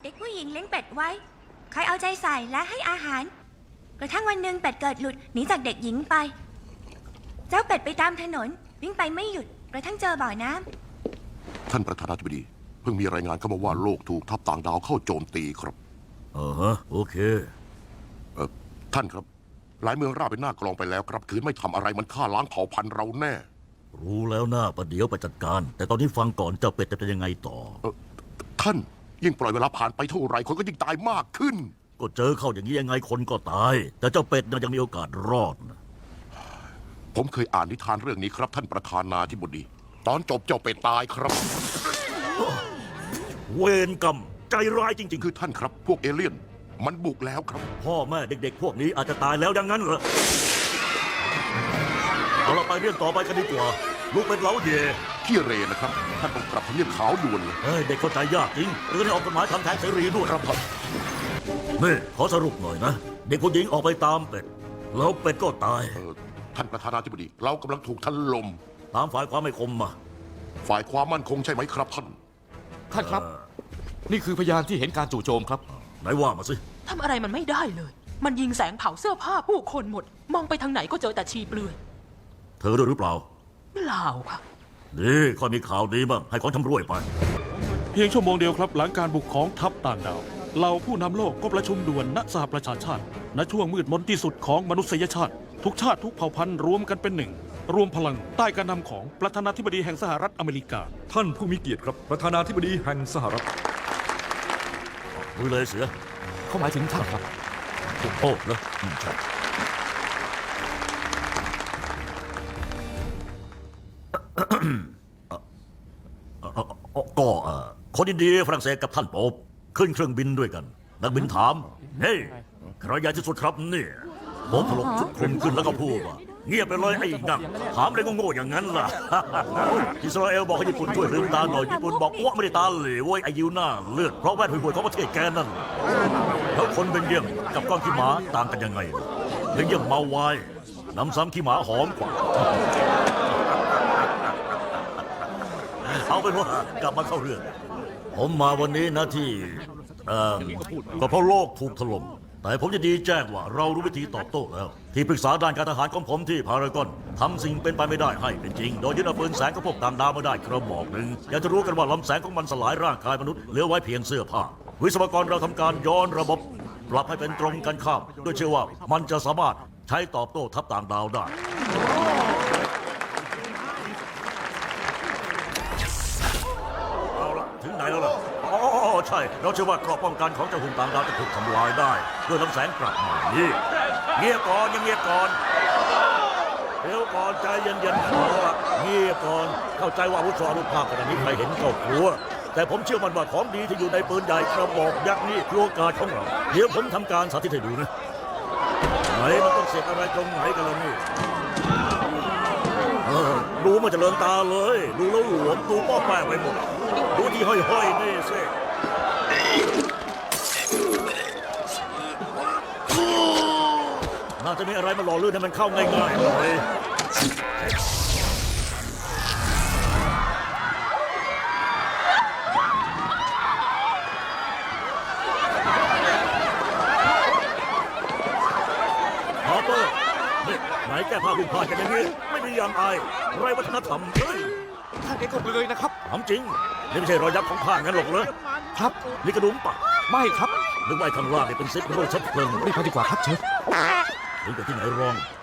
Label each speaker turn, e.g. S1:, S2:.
S1: ด็กผู้หญิงเลี้ยงเป็ดไว้คอยเอาใจใส่และให้อาหารกระทั่งวันหนึ่งเป็ดเกิดหลุดหนีจากเด็กหญิงไป เจ้าเป็ดไปตามถนนวิ่งไปไม่หยุดกระทั่งเจอบ่อน้ำ
S2: ท่านประธานาธิบดีเพิ่งมีรายงานเข้ามาว่าโลกถูกทัพต่างดาวเข้าโจมตีครับ
S3: โอเค
S2: ท่านครับหลายเมืองราบเป็นหน้ากลองไปแล้วครับคืนไม่ทำอะไรมันฆ่าล้างเผ่าพันธุ์เราแน่
S3: รู้แล้วหน้าประเดี๋ยวไปจัดการแต่ตอนนี้ฟังก่อนเจ้าเป็ดจะเป็นยังไงต่อ
S2: ท่านยิ่งปล่อยเวลาผ่านไปเท่าไรคนก็ยิ่งตายมากขึ้น
S3: ก็เจอเข้าอย่างนี้ยังไงคนก็ตายแต่เจ้าเป็ดยังมีโอกาสรอดนะ
S2: ผมเคยอ่านนิทานเรื่องนี้ครับท่านประธานาธิบดีตอนจบเจ้าเป็ดตายครับ
S3: เวรกรรมใจร้ายจริงๆ
S2: คือท่านครับพวกเอเลี่ยนมันบุกแล้วครับ
S3: พ่อแม่เด็กๆพวกนี้อาจจะตายแล้วอย่างนั้นเหรอเอาเราไปเรื่องต่อไปกันดีกว่าลูกเป็นเล้าเย่
S2: ขี้เรนะครับท่านต้องปรับทำเนียบขาวด่วนเลย
S3: เด็กเข้าใจยากจริงเรื่องนี้ออกกฎหมายทำแท้งเสรีด้วยครับนี่ขอสรุปหน่อยนะเด็กผู้หญิงออกไปตามเป็ดแล้วเป็ดก็ตาย
S2: ท่านประธานาธิบดีเรากำลังถูกถล่ม
S3: ตามฝ่ายความไม่คมมา
S2: ฝ่ายความมั่นคงใช่ไหมครับท่าน
S4: ครับนี่คือพยานที่เห็นการจู่โจมครับ
S3: ไหนว่ามาสิ
S5: ทำอะไรมันไม่ได้เลยมันยิงแสงเผาเสื้อผ้าผู้คนหมดมองไปทางไหนก็เจอแต่ชีเปลือย
S3: เธอด้วยหรือเปล่า
S5: เปล่าค่ะ
S3: นี่ข้อมีข่าวดีบ้างให้ของชำร่วยไป
S6: เพียงชั่วโมงเดียวครับหลังการบุกของทัพต่างดาวเราผู้นำโลกก็ประชุมด่วนณสหประชาชาติณช่วงมืดมนที่สุดของมนุษยชาติทุกชาติทุกเผ่าพันธุ์รวมกันเป็นหนึ่งรวมพลังใต้การนำของประธานาธิบดีแห่งสหรัฐอเมริกา
S7: ท่านผู้มีเกียรติครับประธานาธิบดีแห่งสหรัฐ
S3: มือเลยเสือ
S4: เขาหมายถึงท่านครับ
S3: โอ้เหรอใช่ก็คนอินเดียฝรั่งเศสกับท่านโป๊ปขึ้นเครื่องบินด้วยกันนักบินถามเฮ้ยใครใหญ่ที่สุดครับเนี่ยโป๊ปถลกชุดคลุมขึ้นแล้วก็พูดว่าเงียบไปเลยไอ้งั่งถามอะไรโง่ๆอย่างนั้นล่ะอิสราเอลบอกให้ญี่ปุ่นช่วยลืมตาหน่อยญี่ปุ่นบอกว่าไม่ได้ตาเหลวไอ้ยิวหน้าเลือดเพราะแวดห่วยๆของประเทศแกนั่นแล้วคนเบลเยียมกับก้อนขี้หมาต่างกันยังไงเบลเยียมเมาไวน์น้ำซ้ำขี้หมาหอมกว่าเอาเป็นว่ากลับมาเข้าเรื่องผมมาวันนี้นะที่ก็เพราะโลกถูกถล่มแต่ผมจะดีแจ้งว่าเรารู้วิธีตอบโต้แล้วที่ปรึกษาด้านการทหารของผมที่พารากอนทำสิ่งเป็นไปไม่ได้ให้เป็นจริงโดยยึดเอาปืนแสงของพวกต่างดาวมาได้กระบอกหนึ่งอยากจะรู้กันว่าลำแสงของมันสลายร่างกายมนุษย์เหลือไว้เพียงเสื้อผ้าวิศวกรเราทำการย้อนระบบปรับให้เป็นตรงกันข้ามโดยเชื่อว่ามันจะสามารถใช้ตอบโต้ทัพต่างดาวได้ถึงไหนแล้วล่ะใช่เราเชื่อว่าเกราะป้องกันของเจ้าหุ่นต่างดาวจะถูกทำลายได้ด้วยลำแสงกลับมานี่เงียบก่อนยังเงียบก่อนเดี๋ยวก่อนใจเย็นๆขอเงียบก่อนเข้าใจว่าวุฒิอนุภาพขนาดนี้ใครเห็นก็กลัวแต่ผมเชื่อมันว่าของดีที่อยู่ในปืนใหญ่กระบอกยักษ์นี่คือโอกาสของเราเดี๋ยวผมทำการสาธิตให้ดูนะไหนมันต้องเสียบอะไรตรงไหนกันล่ะนี่ดูมันจะเลินตาเลยดูแล้วหลวมดูป้อแป้ไปหมดดูที่ห้อยๆนี่สิน่าจะมีอะไรมาหล่อลื่นให้มันเข้าง่ายๆเลยฮาร์เปอร์นี่ไหนแก้ผ้าคุณพากันอย่างนี้ไม่มีอย่างอายไรวัฒนธรรม
S4: ท่านเอ็กซ์ก็เลยนะครับ
S3: ถามจริงนี่ไม่ใช่รอยยับของผ้างั้นหรอกเลย
S4: ครับ
S3: นี่กระดุมปะ
S4: ไม่ครับ
S3: นึกว่าข้างล่างนี่เป็นซิปโรยชัดเพลิง
S4: รีบไปดีกว่าครับเชฟ
S3: ถึงไปที่ไหนรอง